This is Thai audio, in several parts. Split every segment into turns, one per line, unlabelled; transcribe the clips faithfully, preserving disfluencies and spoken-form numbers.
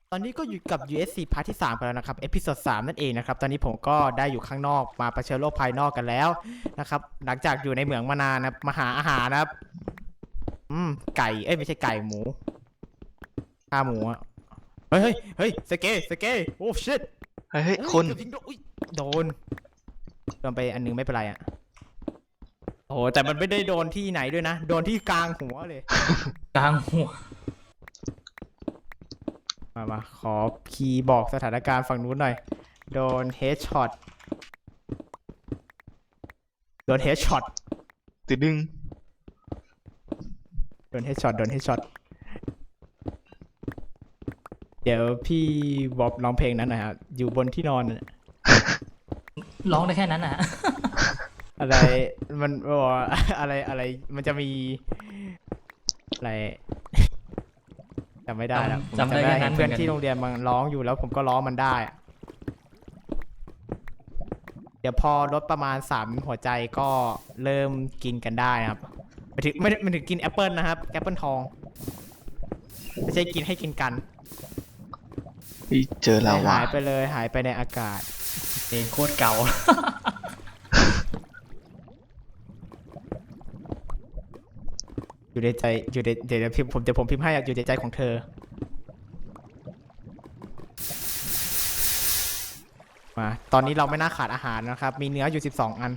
ตอนนี้ก็อยู่กับ ยู เอส ซี พาร์ทที่สามกันแล้วนะครับเอพิโซดสามนั่นเองนะครับตอนนี้ผมก็ได้อยู่ข้างนอกมาเผชิญโลกภายนอกกันแล้วนะครับหลังจากอยู่ในเหมืองมานานนะมาหาอาหารนะครับอืมไก่เอ้ยไม่ใช่ไก่หมูข้าหมูอะเฮ้ยเฮ้ยเฮ้ยสเกสเกโอ้ชิต
เฮ้ยเฮ้ยคุณ
โดนโดนไปอันนึงไม่เป็นไรอ่ะโอ้แต่มันไม่ได้โดนที่ไหนด้วยนะโดนที่กลางหัวเลย
กลางหัว
มามาขอคีย์บอกสถานการณ์ฝั่งนู้นหน่อยโดนเฮดช็อตโดนเฮดช็อต
ติดดึง
โดนเฮดช็อตโดนเฮดช็อตเดี๋ยวพี่บอบร้องเพลงนั้นหนะครับอยู่บนที่นอนน่ะ
ร้องได้แค่นั้นนะ
อะไรมันบอกว่าอะไรอะไรมันจะมีอะไรจำไม่ได้แล้วผม
จำได้แค่นั้น
เพื่อนที่โรงเรียนมันร้องอยู่แล้วผมก็ร้องมันได้อะเดี๋ยวพอลดประมาณสามหัวใจก็เริ่มกินกันได้นะครับไม่ถึงไม่ไม่ถึงกินแอปเปิลนะครับแอปเปิลทองไม่ใช่กินให้กินกัน
พี่เจอลาวา
หายไปเลยหายไปในอากาศ
เพลงโคตรเก่า
อยู่ในใจอยู่ในเดี๋ยวพิมพ์ผมเดี๋ยวผมพิมพ์ให้อยู่ในใจของเธอมาตอนนี้เราไม่น่าขาดอาหารนะครับมีเนื้ออยู่สิบสองอัน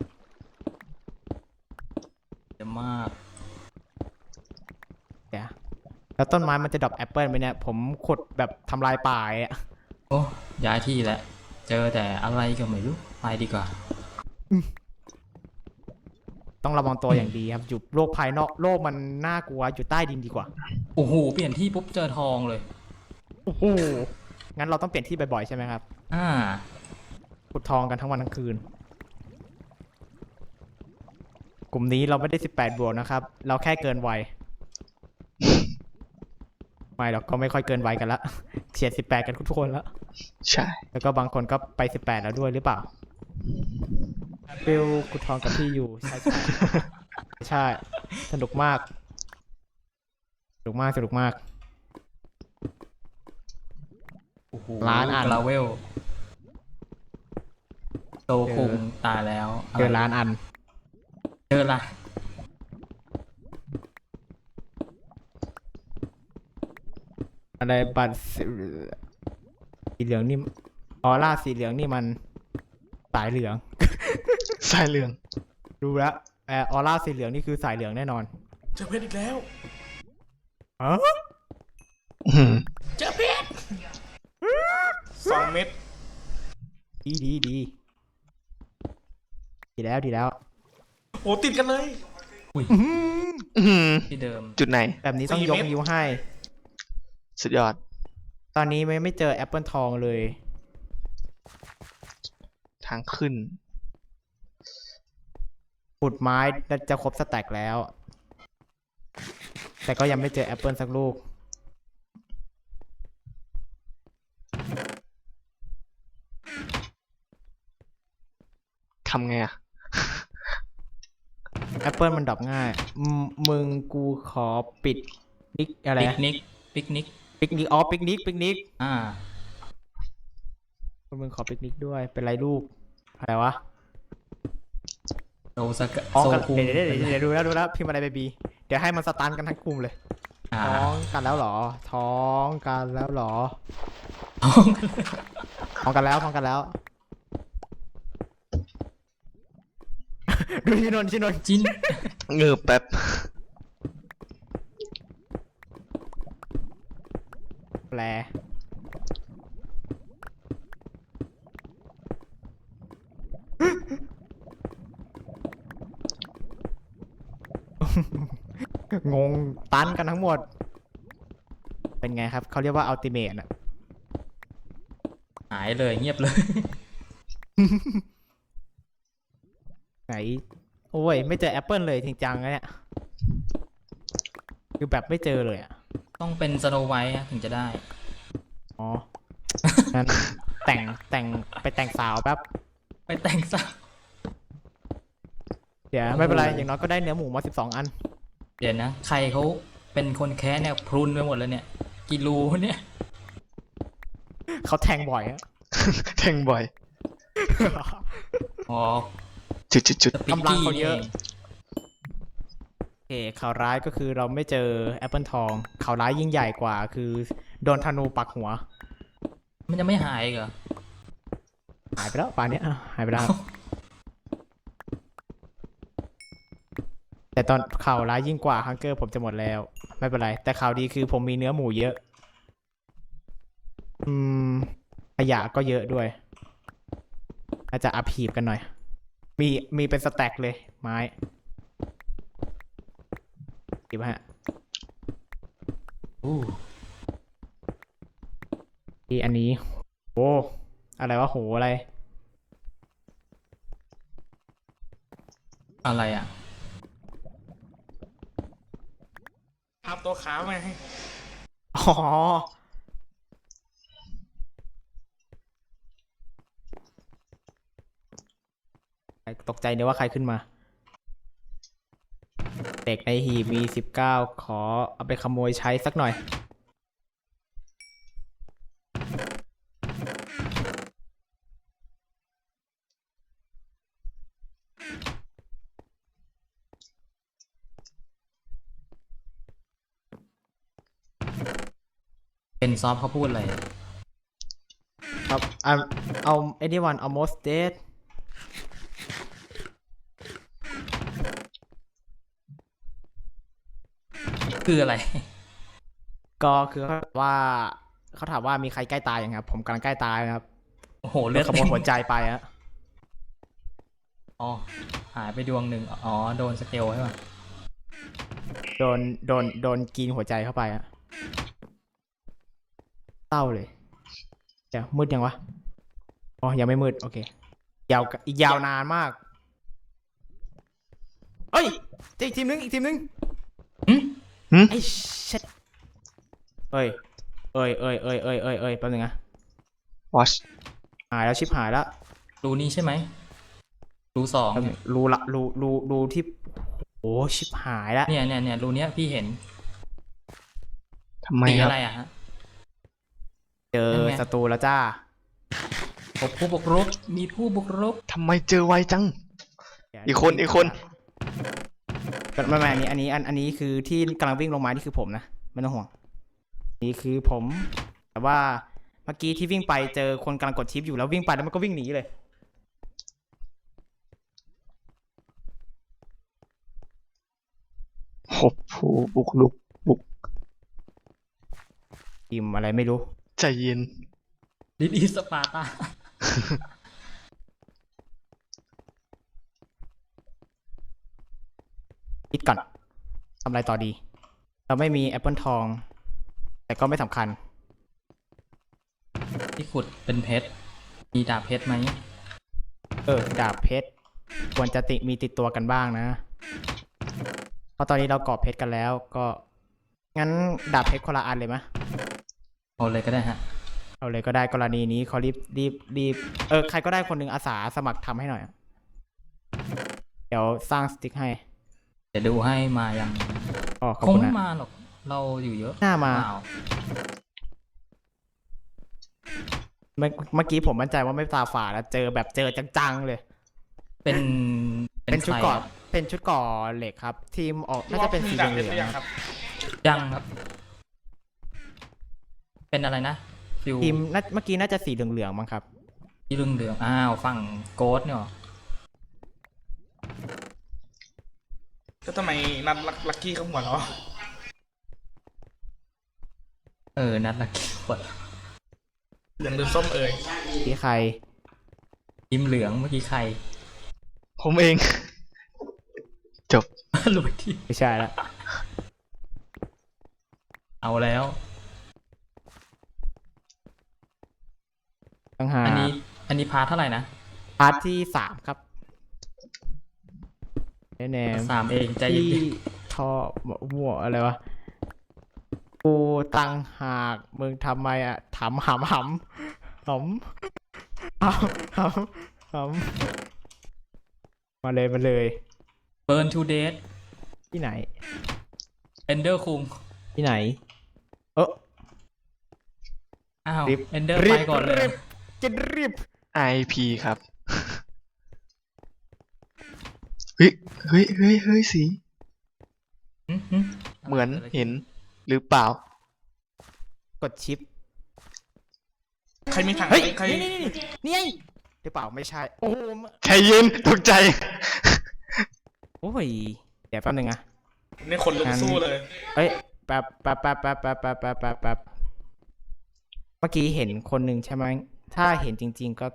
เยอะมาก
เดี๋ยวแล้วต้นไม้มันจะดรอปแอปเปิลไหมเนี่ยผมขุดแบบทำลายป่าอ่ะ
โอ้ย้ายที่แล้วเจอแต่อะไรก็ไม่รู้ไปดีกว่า
ต้องระวังตัวอย่างดีครับอยู่โลกภายนอกโลกมันน่ากลัวอยู่ใต้ดินดีกว่า
โอ้โหเปลี่ยนที่ปุ๊บเจอทองเลย
โอ้โหงั้นเราต้องเปลี่ยนที่บ่อยๆใช่ไหมครับ
อ่า
ขุดทองกันทั้งวันทั้งคืนกลุ่มนี้เราไม่ได้สิบแปดบวกนะครับเราแค่เกินวัยไม่เราก็ไม่ค่อยเกินวัยกันละเฉียดสิบแปดกันทุกคนแล้ว
ใช่
แล้วก็บางคนก็ไปสิบแปดแล้วด้วยหรือเปล่าฟิลขุดทองกับพี่อยู่ใช่ใช่ใช่สนุกมากสนุกมากสนุกมาก
โอ้โห
ล้านอัน
กราเวลโตคุงตายแล้ว
เจอล้านอัน
เจอละ
อะไรบัตรสีเหลืองนี่ออร่าสีเหลืองนี่มันสายเหลือง
สายเหลือง
ดูแล้วแอออร่าสีเหลืองนี่คือสายเหลืองแน่นอน
เจอเพชรอีกแล้ว
อ๋อ
เจอเพชรสองเม็ด
ดีดีดีดีแล้วดีแล้ว
โอ้ติดกันเลย
อุ้ยที่เดิม
จุดไหน
แบบนี้ต้องยกนิ้วให้
สุดยอด
ตอนนี้ไม่ไม่เจอแอปเปิลทองเลย
ทางขึ้น
ขุดไม้จะครบสแต็กแล้วแต่ก็ยังไม่เจอแอปเปิลสักลูก
ทำไงอะ
แอปเปิลมันดรอปง่ายมึงกูขอปิดนิกอะไร
ปิกนิกปิกนิก
ปิกนิกอ๋อปิกนิกปิกนิก
อ่า
มึงขอปิกนิกด้วยเป็นไรลูกอะไรวะ
โซสก
ท้องกันเดี๋ยวเดี๋ยวเดี๋ยวดูแล้วดูแล้วพิมพ์อะไรเบบีเดี๋ยวให้มันสตันกันทั้งกลุ่มเลยท้องกันแล้วหรอท้องกันแล้วหรอ
ท้อง
ท้องกันแล้วท้องกันแล้วดูชินนชินน
จิน
เงือบแป๊บ
แปลงงตันกันทั้งหมดเป็นไงครับเขาเรียกว่าอัลติเมทอะ
หายเลยเงียบเลย
ไหนโอ้ยไม่เจอแอปเปิลเลยจริงจังนะเนี่ยคือแบบไม่เจอเลยอะ
ต้องเป็นสโนไวท์ถึงจะได้
อ๋องั้นแต่งแต่งไปแต่งสาวแป๊บ
ไปแต่งสาว
เดี๋ยวไม่เป็นไรอย่างน้อยก็ได้เนื้อหมูมาสิบสองอัน
เดี๋ยวนะใครเขาเป็นคนแค้เนี่ยพรุนไปหมดเลยเนี่ยกิโลเนี่ย
เขาแทงบ่อยอะ
แทงบ่อย
อ๋อ
จุดจุดจุด
สปิก
กำลัง
กี้
เขา
นี่
เย
เอ
อะ
ง
โอเคข่าวร้ายก็คือเราไม่เจอแอปเปิลทองข่าวร้ายยิ่งใหญ่กว่าคือโดนธนูปักหัว
มันจะไม่หายอีกเหรอ
หายไปแล้วป่านนี้อ่ะหายไปแล้วครับแต่ตอนข่าวร้ายยิ่งกว่าฮังเกอร์ผมจะหมดแล้ว ไม่เป็นไร แต่ข่าวดีคือผมมีเนื้อหมูเยอะ อืมขยะก็เยอะด้วยอาจจะอัพหีบกันหน่อย มีมีเป็นสแต็กเลย ไม้ดีป่ะฮะ
อู้
ที่อันนี้โอ้อะไรวะโหอะไร
อะไรอ่ะ
ภาพตัวขาวไง
อ๋อ ตกใจเดี๋ยวว่าใครขึ้นมา เด็กในหีบมีสิบเก้าขอเอาไปขโมยใช้สักหน่อย
เป็นซอฟเขาพูดอะไร
ครับเอาเอา anyone almost dead
คืออะไร
ก็คือเขาถามว่าเขาถามว่ามีใครใกล้ตายยังครับ ผมกำลังใกล้ตายนะครับ
โอ้โห เลือด
ขโมยหัวใจไปอะ
อ๋อ หายไปดวงหนึ่ง อ๋อ โดนสเกลใช่ป่ะ
โดนโดนโดนกินหัวใจเข้าไปอะเศร้าเลย เดี๋ยวมืดยังวะ อ๋อ ยังไม่มืด โอเค ยาวอีกยาวนานมาก เอ้ยเจออีกทีมนึง อีกทีมนึง
หืม
ไอ้เช็ดเอ้ย เอ้ยเอ้ยเอ้ยเอ้ยเอ้ยเอ้ยแป๊บนึงนะ
watch
หายแล้วชิบหายแล้ว
รูนี้ใช่ไหม รูสอง
แป๊บนึ
เนี่ย
งรูละรูรูรูที่ โอ้ชิบหายแล้ว
เนี่ยเนี่ยเนี่ยรูเนี้ยพี่เห็น
ทำไม
สี
ครับ
อะไรอ่ะฮะ
เจอ
นั่นไง
ศัตรูแล้วจ้า
พบผู้บุกรุก มีผู้บุกรุก
ทำไมเจอไวจัง อีกคนอีกคน
ไม่ไม่อันนี้อันนี้อันอันนี้คือที่กำลังวิ่งลงมานี่คือผมนะไม่ต้องห่วงนี่คือผม แต่ว่าเมื่อกี้ที่วิ่งไปเจอคนกำลังกดชิปอยู่แล้ววิ่งไปแล้วมันก็วิ่งหนีเลย
หบผู้บุกลุกบุก
ทีมอะไรไม่รู้
ใจเย็น
ดิดีสปาร์ตา
คิดก่อนทำอะไรต่อดี เราไม่มีแอปเปิลทอง แต่ก็ไม่สำคัญ
ที่ขุดเป็นเพชร มีดาบเพชรไหม
เออดาบเพชรควรจะติมีติดตัวกันบ้างนะ เพราะตอนนี้เรากรอบเพชรกันแล้ว ก็งั้นดาบเพชรคนละอันเลยมะ
เอาเลยก็ได้ฮะ
เอาเลยก็ได้กรณีนี้เขารีบรีบรีบเออใครก็ได้คนหนึ่งอาสาสมัครทำให้หน่อย เดี๋ยวสร้างสติ๊กให้
เดี๋ยวดูให้มายัง
อ๋อขอบ
คง
คุณ
ไม่
นะ
มาหรอก เราอยู่เยอะ
หน้ามา
เปล่า
เมื่อเมื่อกี้ผมมั่นใจว่าไม่ตาฝาดแล้วเจอแบบเจอจังๆเลย
เป็น
เป็นชุด
ใคร
ก่อ
อะ
เป็นชุดก่อเหล็กครับ ทีมออกน่าจะเป็นสีเห
ดาบ
ลื
เพชรห
อ
รื
ง
ยัง
ๆ
ค
ค
รั
รับ บ
ยังครับ เป็นอะไรนะ ฟิว
ทีมน่าเมื่อกี้น่าจะสีเหลืองๆมั้งครับ
ที่เรื่องเหลืองอ้าว ฝั่งโกดเนี่ยหรอ
แล้วทำไมนัดลักกี้เขาหัวเราะ
เออ นัดละกี่ขวด
เหลืองหรือส้มเอ่ย
ที่ใคร
ทีมเหลืองเมื่อกี้ใคร
ผมเอง จบ
หลุดที่
ไม่ใช่ละ
เอาแล้ว
ต้องหา
อันนี้ อันนี้พาร์ทเท่าไหร่นะ
พาร์ทที่สามครับแน่
สามเองใจ
ๆ
เย็
ที่
น
ท่อมั่วอะไรวะกูตังหากมึงทำไมอะถามหำหำหำหำหำหำมาเลยมาเลย
ๆ Burn to Death
ที่ไหน
Ender คุง
ที่ไหน เออ
อ้าว
รีบ
เอนเดอร์
รี
ไป
บ
ก่อนเลย
รีบจะรีบ
ไอ พี ครับ เฮ้ยเฮ้ยเฮ้ยเฮ้ยสี
หึหึ
เหมือนเห็นหรือเปล่า
กดชิป
ใครมีถัง
เฮ้ย
ใคร
นี่นี่นี่นี่ไงหรือเปล่าไม่ใช่โอ้โห
ใครยืนตกใจ
โอ้ยเดี๋ยวแป๊บนึงอะ
นี่คนลุกสู้เลย
เอ้ยแป๊บแป๊บแป๊บแป๊บแป๊บแป๊บแป๊บแป๊บแป๊บเมื่อกี้เห็นคนหนึ่งใช่ไหมถ้าเห็นจริง ๆ ก็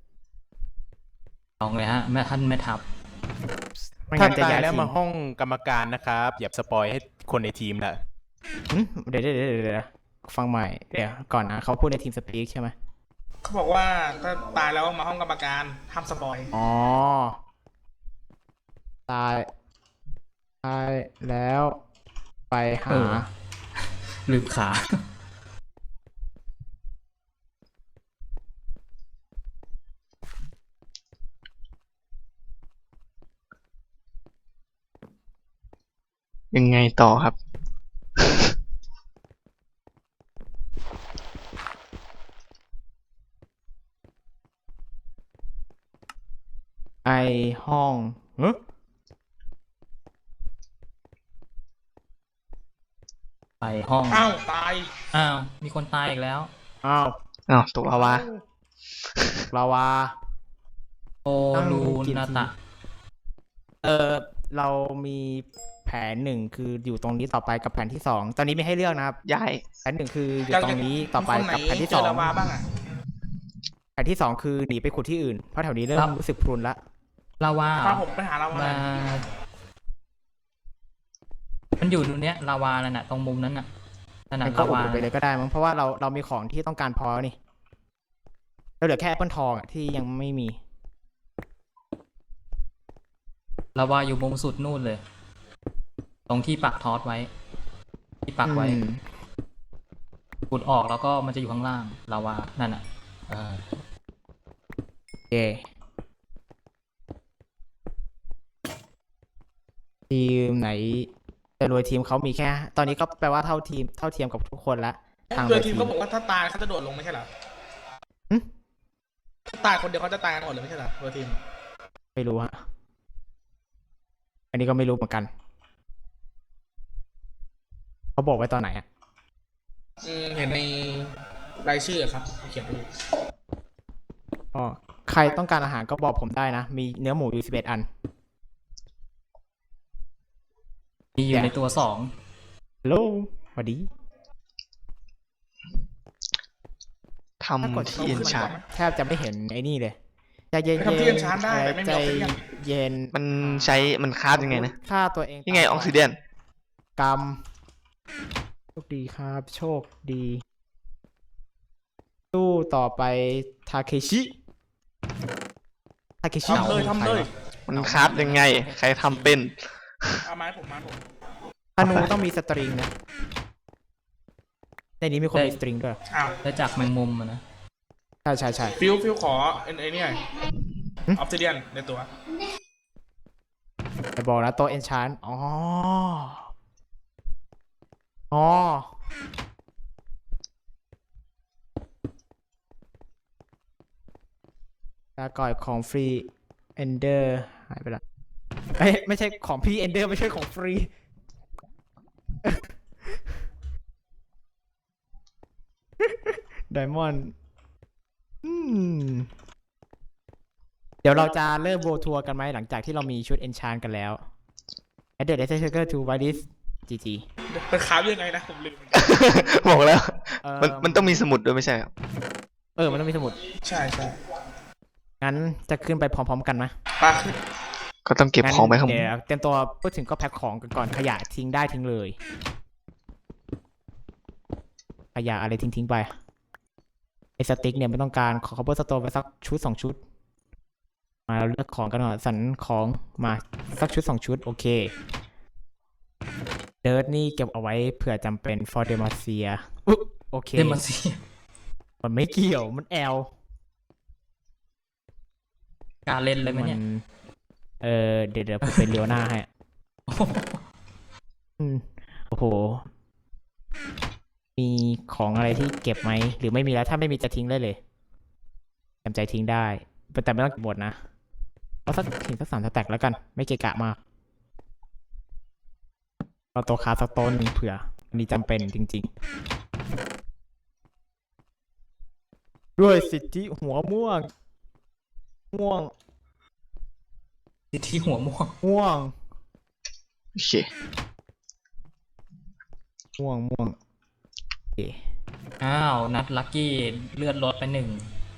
ลองเลยฮะแม่ท่านแม่ทัพ
ไม่
ถ้า
งั้นจะ
ตาย
ย้าย
แล้ว
ทีม
มาห้องกรรมการนะครับอย่าสปอยให้คนในทีมละ
หึเดี๋ยวเดี๋ยวเดี๋ยวเดี๋ยวฟังใหม่เดี๋ยวก่อนนะเขาพูดในทีมสปีกใช่ไหม
เขาบอกว่าถ้าตายแล้วมาห้องกรรมการห้ามสปอย
อ๋อตายตายแล้วไปหา
เออ ลืมขา
ยังไงต่อครับ
ไอห้องเฮ้
ไปห้อง
อ้าวตาย
อ้าว มีคนตายอีกแล้ว
อ้าว
อ้าวตกลาวา
ลาวา
โอลูนาตะ
เออเรามีแผนหนึ่งคืออยู่ตรงนี้ต่อไปกับแผนที่สองตอนนี้ไม่ให้เลือกนะครับ
ย้าย
แผนหนึ่งคืออยู่ตรงนี้ต่อไป
มีคนไหน
กับแผนที่
เจ
ส
อ
อง
ลาวาบ้างอ่ะ
แผนที่สองคือหนีไปขุดที่อื่นเพราะแถวนี้เริ่
ครั
ม
บ
รู้สึกพรุนละ
ลาวา
พาผมไปหาลาวา
มา มันอยู่ตรงเนี้ยลาวานั่นน่ะตรงมุมนั้นน่ะนั่นน่ะ
มันก็
ลา
อุ
วา
ดไปเลยก็ได้มั้งเพราะว่าเราเรามีของที่ต้องการพอนี่เราเหลือแค่แอปเปิลทองอะที่ยังไม่มี
ลาวาอยู่มุมสุดนู่นเลย ตรงที่ปักทอสไว้ ที่ปักไว้
อืม
ขุดออกแล้วก็มันจะอยู่ข้างล่างลาวานั่นน่ะเออ
โอเคทีมไหนแต่รวยทีมเขามีแค่ ตอนนี้ก็แปลว่าเท่าทีมเท่าเทียมกับทุกคนละทาง
เพื่
ร
อ
วย
ที
ที
ม
ม
เขาบอกว่าถ้าตายเขาจะโดดลงไม่ใช่เหรอ
หึ
ถ้าตายคนเดียวเขาจะตายกันหมดเลยไม่ใช่เหรอเพื่อทีม
ไม่รู้ฮะอันนี้ก็ไม่รู้เหมือนกันเขาบอกไว้ตอนไหนอะ
อืมเห็นในรายชื่อครับเขียนไว้อยู่
อ๋อใครต้องการอาหารก็บอกผมได้นะ มีเนื้อหมูอยู่สิบเอ็ดอัน
มีอยู่ในตัวสอง
ฮัลโหลสวัสดี ถ้ากด
ทำที่เอ็นชาร์
แทบจะไม่เห็นไอ้นี่เลยใจเย็น
ไปทำที่เอนชานได้แต่ไม่มี
ใจ
ออกซิเจน
เย็น
มันใช้มันคราฟยังไงนะ
ฆ่าตัวเอง
ยังไงออกซิเดน
กรรมโชคดีครับ โชคดีสู้ต่อไปทาเคชิทาเคชิ
ทำเลยทำเลย
มันคราฟยังไง ใครทำเป็น
เอาไม้ผมมาผม
ธนูต้องมีสตริงนะในนี้มีคนมีสตริงด้วย
อ้าว
ได้จากแมงมุมอะนะ
ใช่ใช่ใช่
ฟิวฟิวขอไอ้ไอ้นี่หน่อย
หึ
ออฟซิเดียนในตัว
แต่บอกนะโต๊ะเอนชานอ๋ออ๋อลาก่อยของฟรีเอนเดอร์หายไปละเอ้ยไม่ใช่ของพี่เอนเดอร์ไม่ใช่ของฟรี ไดมอนด์เดี๋ยวเราจะเริ่มโวทัวร์กันไหมหลังจากที่เรามีชุดเอนชานกันแล้ว Add the Laser Shaker to Widis จี จี
เป็นขาวยังไงนะผมลืม
บอกแล้ว
เออ
มันมันต้องมีสมุดด้วยไม่ใช่เหรอ
เออ มันต้องมีสมุด
ใช่ใช่
งั้นจะขึ้นไปพร้อมๆกันไหม
ปลาขึ้น
ก็ต้องเก็บของไปข้างบ
เดี๋
น
ยวเตรียมตัวพูดถึงก็แพ็คของกันก่อนขยะทิ้งได้ทิ้งเลย ขยะอะไรทิ้งทิ้งๆไป ไอสติ๊กเนี่ยไม่ต้องการขอ cover store ไปสักชุดสองชุด มาเราเลือกของกันหน่อยสรรของมาสักชุดสองชุด โอเค เดิร์ดนี่เก็บเอาไว้เผื่อจำเป็น for demacia อุ๊ยโอเค
เดมอนซี
มันไม่เกี่ยวมันแอล
การเล่นเลยไหมเนี่ย
เออเดี๋ยวเดี๋ยวผมเป็นเลียวหน้าให้ อืมโอ้โหมีของอะไรที่เก็บไหมหรือไม่มีแล้วถ้าไม่มีจะทิ้งได้เลยจำใจทิ้งได้แต่ไม่ต้องเก็บหมดนะเอาสักทิ้งสักสามสแต็กแล้วกันไม่เกะกะมากเอาตัวคาสักต้นหนึ่งเผื่ออันนี้จำเป็นจริงๆด้วยสิทธิหัวม่วงม่วง
สิทธิหัวม่วง
ม่วง
โอเค
ม่วงม่วงโอเค
อ้าวนัดลักกี้เลือดลดไปหนึ่ง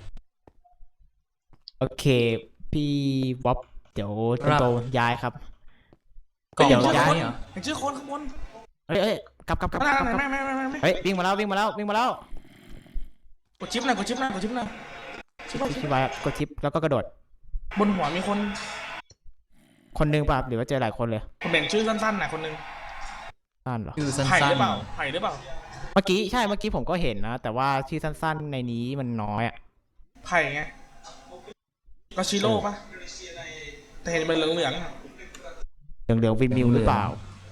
โอเคพี่วอปเดี๋ยว
ครั
โต
บ
ๆย้ายครับ
กล่อง
เดี๋ยว
ลด
ย้าย
ไว้เหรอ
เห็นชื่อคนข้างบน
เอ้ยเอ้ยกลับกลับกลับ
ไม่
กลับกลับ
ไม่ไม่ไม่ไม่ไม่
เฮ้ยวิ่งมาแล้ววิ่งมาแล้ววิ่งมาแล้ว
กดชิปหน่อยกดชิปหน่อยกดชิปหน่อยชิปหน่อย
พี่ไว้กดชิปแล้วก็กระโดด
บนหัวมีคน
คนหนึงป่ะหรือว่าเจอหลายคนเลย
ผมเห็นชื่อสั้นๆน่ะคนหนึง
สั้นเหรอ
คือสั้
ไผ่ห
น
รือเปล่าไผ่หรือเปล่า
เมื่อกี้ใช่เมื่อกี้ผมก็เห็นนะ แต่ว่าชื่อสั้นๆในนี้มันน้อยอะ
ไผ่ไงก็ชิโร่ปะแต่เห็นเป็นเหลืองๆอะ
เหลืองเหลืองวินมิวหรือเปล่า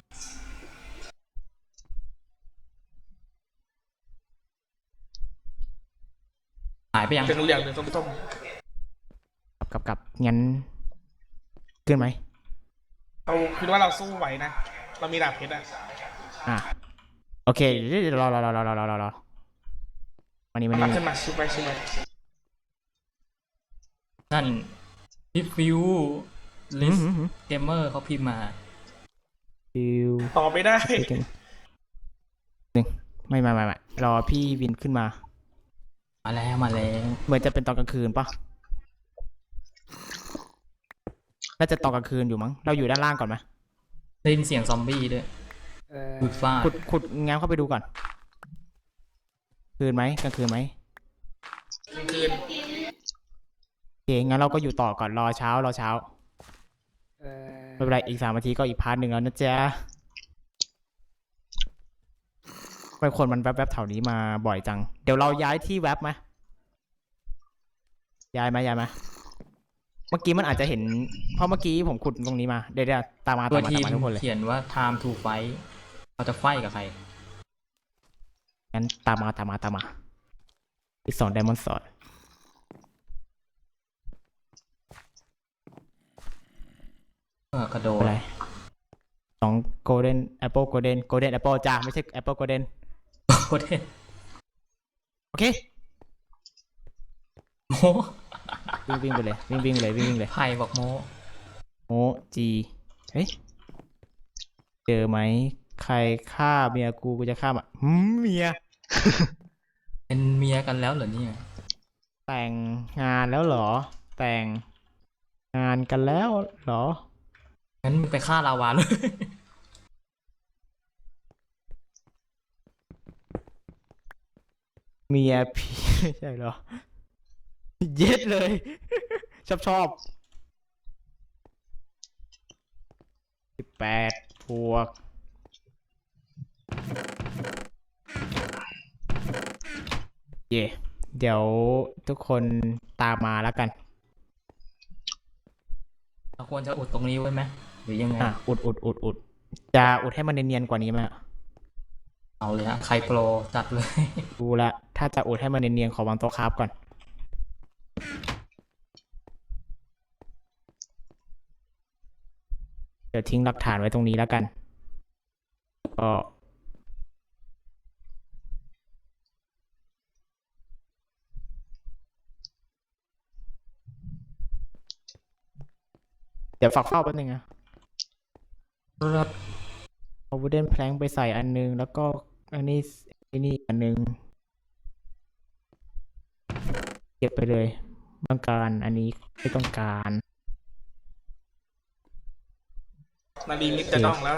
ๆหายไปยัง
เป็นเหลืองๆหรือส้ม
กลับกลับกลับงั้นขึ้นไหม
ๆเราคิดว่าเราสู้ไหวนะ เรามีดาบเพชรอะ
อ่ะโอเคเดี๋ยวรอรอรอรอรอรอรอรอมานี่มา
รับ
นี่
ขึ้นมาชิปไปชิปไป
นั่นพี่ฟิวลิ
อื
ส
มอืมอืม
เกมเมอร์เขาพิมพ์มา
ฟิว
ต่อไม่ได้
หนึ่งไม่ไม่ไม่ไม่รอพี่วินขึ้นมา
มาแล้วมาแล้ว
เหมือนจะเป็นตอนกลางคืนปะน่าจะตอนกลางคืนอยู่มั้งเราอยู่ด้านล่างก่อนไหม
ได้ยินเสียงซอมบี้ด้วยขุดฟาด
ขุดขุดงั้นเข้าไปดูก่อน คืนไหมกลางคืนไหม
กลางคืน
โอเคงั้นเราก็อยู่ต่อก่อนรอเช้ารอเช้าไม่เป็นไรอีกสามนาทีก็อีกพาร์ทหนึ่งแล้วนะจ๊ะไปคนมันแวบๆแถวนี้มาบ่อยจัง เดี๋ยวเราย้ายที่แวบไหมย้ายไหมย้ายไหมเมื่อกี้มันอาจจะเห็น เพราะเมื่อกี้ผมขุดตรงนี้มา เดี๋ยวเดี๋ยวตามมา
ตัว
ตามมา
ที
ตาม
ม
มาทุกคนเลย
เขียนว่า time to fight เราจะไฟกับใคร
งั้นตามมาตามมาตามมาอีกสองไดมอนด์สอด
เออกระโดด
อะไรสองโกลเด้นแอปเปิลโกลเด้นโกลเด้นแอปเปิลจ้าไม่ใช่แอปเปิลโกลเด้น
โคตรเท่
โอเค
โม
วิ่งวิ่งไปเลยวิ่งวิ่งเลยวิ่งวิ่งเลย
ไผ่บอกโม
โอจีเฮ้ยเจอไหมใครฆ่าเมียกูกูจะฆ่ามันหืมเมีย
เป็นเมียกันแล้วเหรอเนี่ย
แต่งงานแล้วเหรอ แต่งงานกันแล้วเหรอ
งั้นมึงไปฆ่าลาวาเลย
เมียพี่ ไม่ใช่เหรอ เย็ดเลย ชอบชอบสิบแปดพวกเย่เดี๋ยวทุกคนตามมาแล้วกัน
เราควรจะอุดตรงนี้ไว้ไหมหรือยังไง
อ่ะ อุดอุดอุดอุดจะอุดให้มันเนียนๆกว่านี้ไหม
เอาเลยฮะใครโปรจัดเลย
ดูละถ้าจะอุดให้มันเนียนๆขอวางโต๊ะคราฟก่อน เดี๋ยวทิ้งหลักฐานไว้ตรงนี้แล้วกัน ก็เดี๋ยวฝากเฝ้าแป๊บนึงนะครับ เอาวูเดนแพลงไปใส่อันนึง แล้วก็อันนี้อันนี้อันนึง เก็บไปเลยต้องการอันนี้ไม่ต้องการ
นาดีมิดจะต้องแล้ว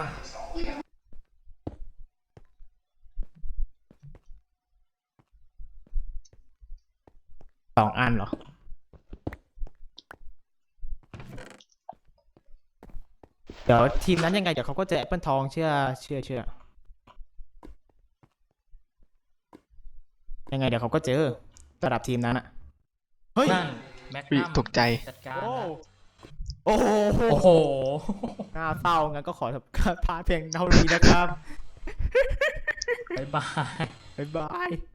สองอันเหรอ เดี๋ยวทีมนั้นยังไงเดี๋ยวเขาก็เจอแอปเปิลทองเชื่อเชื่อเชื่อยังไงเดี๋ยวเขาก็เจอระดับทีมนั้นอะเฮ้ย
นั่นแม็ก
วิ
นัม
ตกใจ
จัดการ
โอ้
นะ
โอ้โห
โอ้โห
น่าเศร้างั้นก็ขอพาเพียงเท่านี้นะครับ
บ๊ายบาย
บ๊ายบาย